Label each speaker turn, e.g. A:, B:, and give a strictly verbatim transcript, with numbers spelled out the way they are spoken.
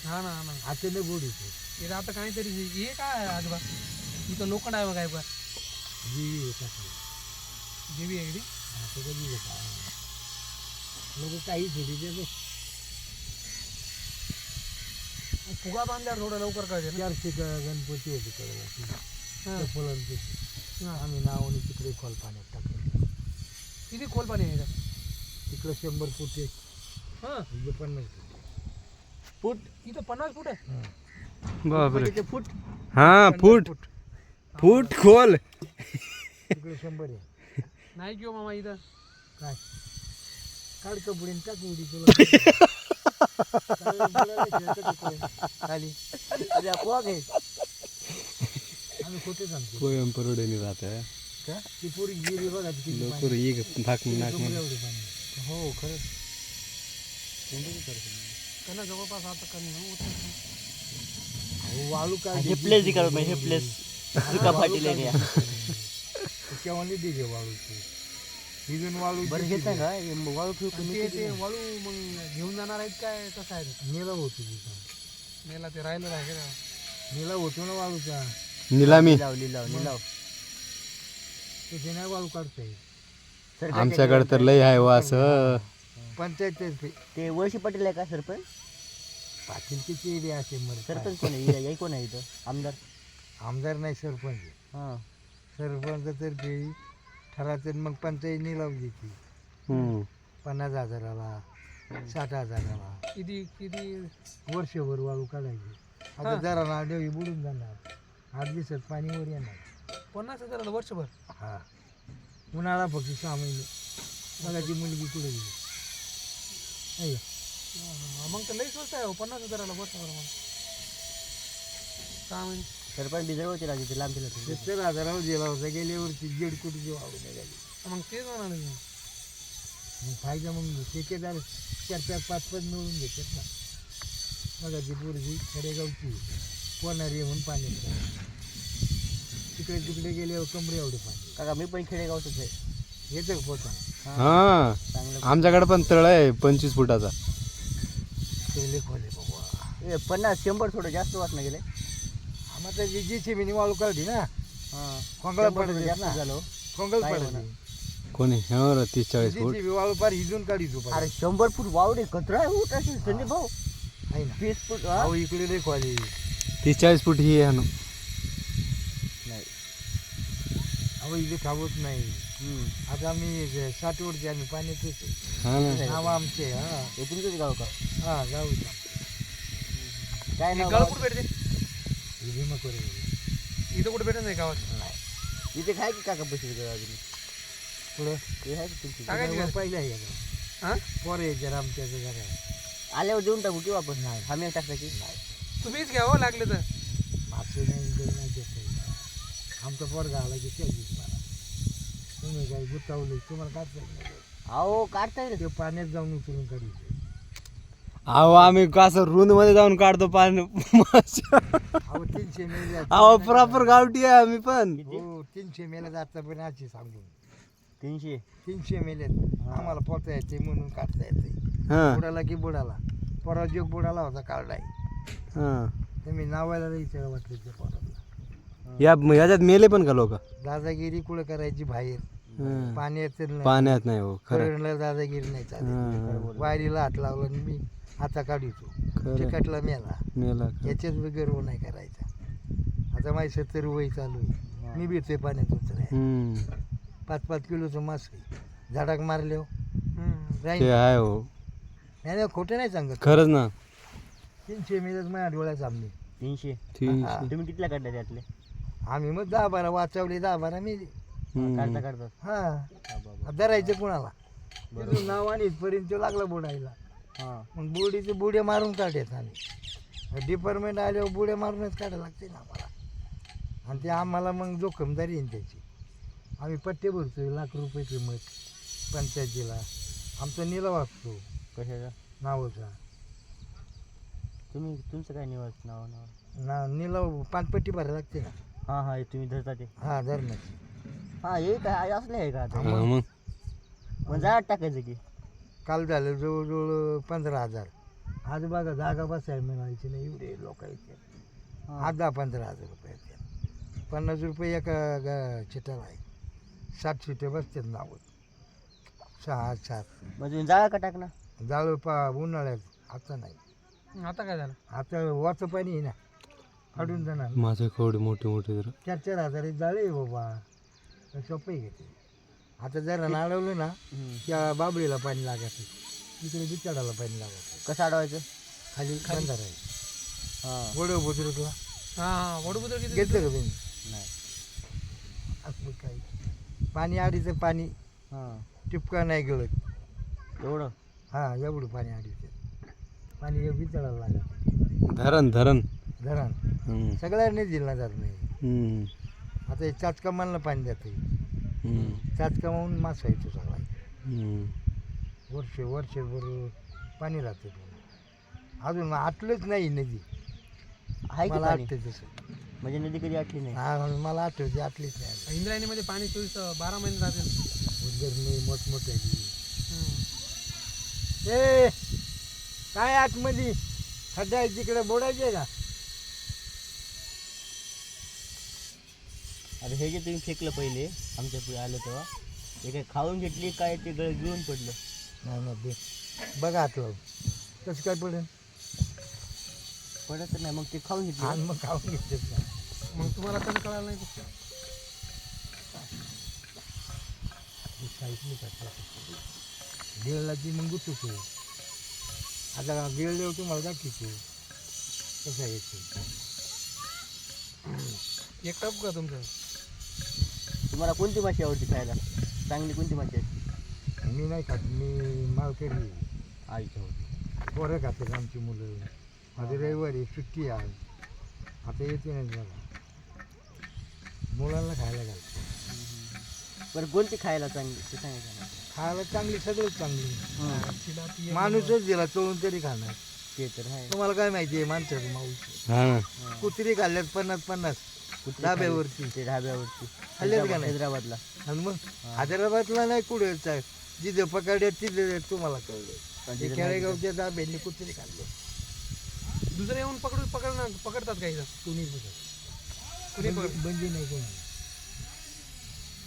A: हा ना हा ना
B: अचानक गोड येते.
A: हे आता काहीतरी हे काय आजोबा इथं लोखंड आहे बघ काय बघ
B: जीवी येतात
A: जीवी आहे
B: असं कधी येतात लोक काही थोडी देतो.
A: फुगा बांधल्यावर थोडं लवकर कळते ना.
B: चारशे गणपती होते कळला फुलांचे
A: हा.
B: आम्ही नावाने तिकडे खोल पाण्यात टाकलं.
A: किती खोल पाणी आहे इथं?
B: तिकडं शंभर फूट आहे
A: हा
B: इथे पन्नास
A: फूट इथं पन्नास फूट आहे.
C: बापरे
B: फूट फूट
C: हा फूट फूट खोल
B: तिकडे शंभर आहे.
A: नाही किंवा मामा इथं
B: काय काढ कपडे टाक उडी तुला खाली अरे अपवाद आहे. आम्ही खोटे सांगतो
C: पोयम परवडेनी राहत
B: का ती पुरी गिरी बघा किती
C: लोक
B: पाणी.
C: एक नाक नाक
B: समोर एवढे पाणी. हो खरंच
A: त्यांना जवळपास आता कमी हो
B: अहो, वाळू काय
D: हे प्लेस दिखा मैं हे प्लेस सुका पाटील एरिया
B: केव्हा नाही दिले वाळूची भिजून वाळू
D: बरं घेत आहे का हे वाळू ठेवू
A: आणि ते ते वळू मग घेऊन जाणार आहेत काय कसं आहे ते?
B: नेला होतो तिथं
A: मेला ते राहिलं आहे का
B: नेला होतो ना वाळूचा
C: निलामी
D: लाव लिलाव लिलाव
B: तिथे नाही वाळू काढता येईल.
C: आमच्याकडे तर लय आहे वास
B: पंचायत
D: ते वळशी पाटील आहे का सरपंच
B: पाटीलची एरिया असे मर
D: सरपंच कोण आहे हे कोण आहे इथं आमदार
B: आमदार नाही सरपंच
D: हां
B: सरपंच तर्फे ठराचं मग पंचायत निलाव देते
C: हम्म.
B: पन्नास हजाराला साठ हजाराला
A: किती किती
B: वर्षभर वाळू काढायची. आता
A: हा.
B: जरा नाडेवी बुडून जाणार आठ दिवसात पाणी वर येणार.
A: पन्नास हजाराला वर्षभर
B: हा उन्हाळा फक्त सहा महिने बघा ती मुलगी कुठे गेली आहे का?
A: हा, मग तर लई स्वस्त आहे हो, पन्नास हजाराला वर्षभर मग सहा महिने
D: सरपंच बिजर होते राजू ते लांब दिलं
B: सत्तर हजारावर गेला होता गेल्या वर्षी दीड कोटीची वाळू निघाली.
A: मग तेच म्हणाले मी.
B: मग फायदा मग ठेकेदार चार चार पाच पाच मिळून घेतात ना. बघा ती पोरगी खेडेगावची पोहणारी म्हणून पाण्यात तिकडे तिकडे गेल्यावर कमरे एवढे पाणी
D: काका मी पण खेडेगावचंच आहे
B: येतं का पोहताना
C: हा
D: चांगलं
C: आमच्याकडे पण तळ आहे पंचवीस फुटाचा
B: पहिले खोले बाबा.
D: ए, पन्नास शंभर थोडं जास्त वाटणं गेले
B: आम्हाला जी जी चिमिनी वाळू काढली ना
D: हां
B: खोंगळा
D: शंभर
B: पडत
D: थोडं जास्त
B: ना
D: झालं
B: खोंगल
D: काय
B: पडत
D: म्हणा.
C: कोणी हो तीस चाळीस फूट
B: जी वाळू पार हिजून काढी तू
D: अरे शंभर फूट वावडे कचरा आहे उठ असेल संदीप भाऊ
B: आहे ना.
D: वीस फूट हा?
B: अहो इकडे लई खोली
C: तीस चाळीस फूट ही आहे ना.
D: नाही
B: अहो इथे थांबत नाही.
D: हम्म.
B: आता आम्ही साठ वर्षी आम्ही पाण्यातच
C: हा ना
B: नाव आमचे हा
D: हे तुमचंच गाव का
B: हा जाऊ द्या.
D: काय
A: हे
D: नाव
A: गळ
D: गावाचं?
A: कुठे भेटते
B: हे भीमा कोरे
A: इथं कुठे भेटत नाही गावात
D: इथे काय की काका बसले का अजून
B: पुढं
D: हे आहे का तुमची
A: टाकायची का?
B: पहिलं आहे का
A: हा
B: पोरं यायच्या आमच्या जरा
D: आल्यावर देऊन टाकू की वापस नाही आम्ही टाकता की
A: तुम्हीच घ्यावं लागले तर
B: मागचे नाही इकडे नाही देत काही. आमचा पोरगा आला की त्या दिवशी मला तुम्ही काय गुतावले तुम्हाला काढता येत नाही.
D: अहो काढता येईल
B: ते पाण्यात जाऊन उचलून काढायचे.
C: अहो आम्ही कसं रुंद मध्ये जाऊन काढतो पाणी
B: अहो तीनशे मेले
C: अहो प्रॉपर गावठी आहे आम्ही पण
B: हो तीनशे मेले जाता पण आजची सांगून
D: तीनशे
B: तीनशे मेलेत आम्हाला पोहता येते म्हणून काढता येते
C: हा
B: बुडाला की बुडाला पोरा जोग बुडाला होता काढलाय
C: हा
B: तुम्ही नावायला विचारा वाटलं त्या पोराला
C: या याच्यात मेले पण का लोक
B: दादागिरी कुठं करायची बाहेर पाण्यात नाही
C: पाण्यात नाही हो खरं
B: करणला दादागिरी नाही चालत
C: हा,
B: वायरीला हात लावला आणि मी आता काढितो
C: खरं
B: चिकटला मेला
C: मेला
B: याच्याच बी गर्व नाही करायचा. आता माझी सत्तर वय चालू आहे मी भेटतोय पाण्यात उतराय
C: हम्म
B: पाच पाच किलोचं मास आहे झाडाक मारले हो
A: हम्म.
C: ते आहे हो
B: नाही नाही, खोटं नाही सांगत
C: खरंच ना
B: तीनशे मेलच माझ्या डोळ्यात सामने
D: तीनशे
C: तीनशे
D: तुम्ही कितीला काढले त्यातले
B: आम्ही मग दहा बारा वाचवले दहा बारा मेले
C: हम्म.
D: काढता काढता
B: हा धरायचं कुणाला तिथून नाव आणि इथपर्यंत तो लागला बुडायला
D: हां
B: मग बुडीचे बुड्या मारून काढायचं आम्ही डिपार्टमेंट आल्यावर बुड्या मारूनच काढायला लागते ना आम्हाला आणि ते आम्हाला मग जोखमदारी येईन त्याची आम्ही पट्टे भरतो लाख रुपये किंमत पंचायतीला आमचा निलाव असतो
D: कशाचा
B: नावाचा
D: तुम्ही तुमचं काय निवास नाव नाव
B: ना निलाव पानपट्टी भरायला लागते ना
D: हां हां हे तुम्ही धरता ते
B: हा धरणाची
D: हां हे काय असले आहे का आता
C: हा, मग
D: मग जा टाकायचं की
B: काल झालं जवळजवळ पंधरा हजार आज बघा जागा बसायला मिळायची नाही, एवढे लोक येते.
D: हा.
B: आज दहा पंधरा हजार रुपये येते. पन्नास रुपये एका ग चिटाला आहे. सात सीटे बसतात नावं, सहा सात.
D: मग तुम्ही जाळा का टाकणार?
B: जाळं पा उन्हाळ्यात आता नाही.
A: आता काय झालं?
B: आता वाचं पाणी आहे ना, फाडून जाणार.
C: माझे कवडे मोठे मोठे जरा.
B: चार चार हजार जाळे आहे बाबा, सोपे घेते. आता जरा नाळवलं ना
D: हम्म.
B: त्या बाबळीला पाणी लागायचं, इकडे बिचाडाला पाणी लागायचं.
D: कसं अडवायचं?
B: खाली बंधार आहे.
D: हां
B: गोड बुजुर्गला
A: हा हा वडूबुद्र किती?
B: घेतलं का तुम्ही?
D: नाही.
B: असं काही पाणी आडीचं पाणी
D: हां
B: टिपका नाही गळत.
D: एवढं?
B: हां एवढं पाणी आडीचं पाणी बिचाडाला लागायचं.
C: धरण धरण.
B: धरण
C: हम्म.
B: सगळ्यांनी दिला जात नाही.
C: हम्म.
B: आता हे चाचकामाला पाणी जातं,
C: हम्म.
B: चाचकामाहून मास व्हायचं सगळा.
C: हम्म.
B: वर्ष वर्षभर पाणी राहतं. अजून आटलंच नाही नदी.
D: आहे की
B: मला
D: पाणी?
B: आठवतं तसं.
D: म्हणजे नदी कधी आटली नाही?
B: हा मला आठवते, आटलीच नाही.
A: इंद्रायणीमध्ये पाणी चोवीस बारा महिने राहते.
B: उदगरणी मोठमोठे
A: हम्म.
B: ए काय आतमध्ये खड्डा आहे तिकडे बोडायचे का?
D: अरे हे जे तुम्ही फेकलं पहिले आमच्या पुढे आलं तेव्हा, हे काय खाऊन घेतली काय ते गळ गिळून पडलं?
B: नाही नाही दे बघा आतलं कसं काय पडेल.
D: पडत नाही, मग ते खाऊन घेतली.
B: आणि मग खाऊन घेतात का?
A: मग तुम्हाला कसं कळालं नाही ते?
B: हे काहीच नाही करता. गिळला की मग गुततो. आता गिळल्यावर तुम्हाला दाखवतो कसं यायचं.
A: एक टप का तुमचं?
D: तुम्हाला कोणती माशी आवडते खायला? चांगली कोणती माशी आहे?
B: मी नाही खात, मी मालकरी.
D: आईच्या होती.
B: पोरं खातात आमची मुलं. माझी रविवारी सुट्टी आहे, आता येते नाही बघा. मुलांना खायला घालतो.
D: बरं कोणती खायला चांगली ते सांगायचं ना.
B: खायला चांगली सगळंच चांगली.
A: तिला ती एक-
B: माणूसच दिला चोळून तरी खाणार.
D: ते तर आहे.
B: तुम्हाला काय माहिती आहे माणसाचं माऊस.
C: हा.
B: कुत्री खाल्ल्यात पन्नास पन्नास
D: कुत्री
B: धाब्यावरती.
D: खाल्ली, ते ढाब्यावरती.
B: खाल्लेत का नाही?
D: हैदराबादला.
B: आणि मग हैदराबादला नाही कुठे जिथं पकडल्यात तिथे तुम्हाला
D: पण
B: कळलं.
D: तिथं
B: खेडेगावच्या दाब्यांनी कुत्री खाल्ले.
A: दुसरे येऊन पकडू पकडणार पकडतात काही जण.
B: कुणी
A: कुणी पकड
B: बंदी नाही कोणी.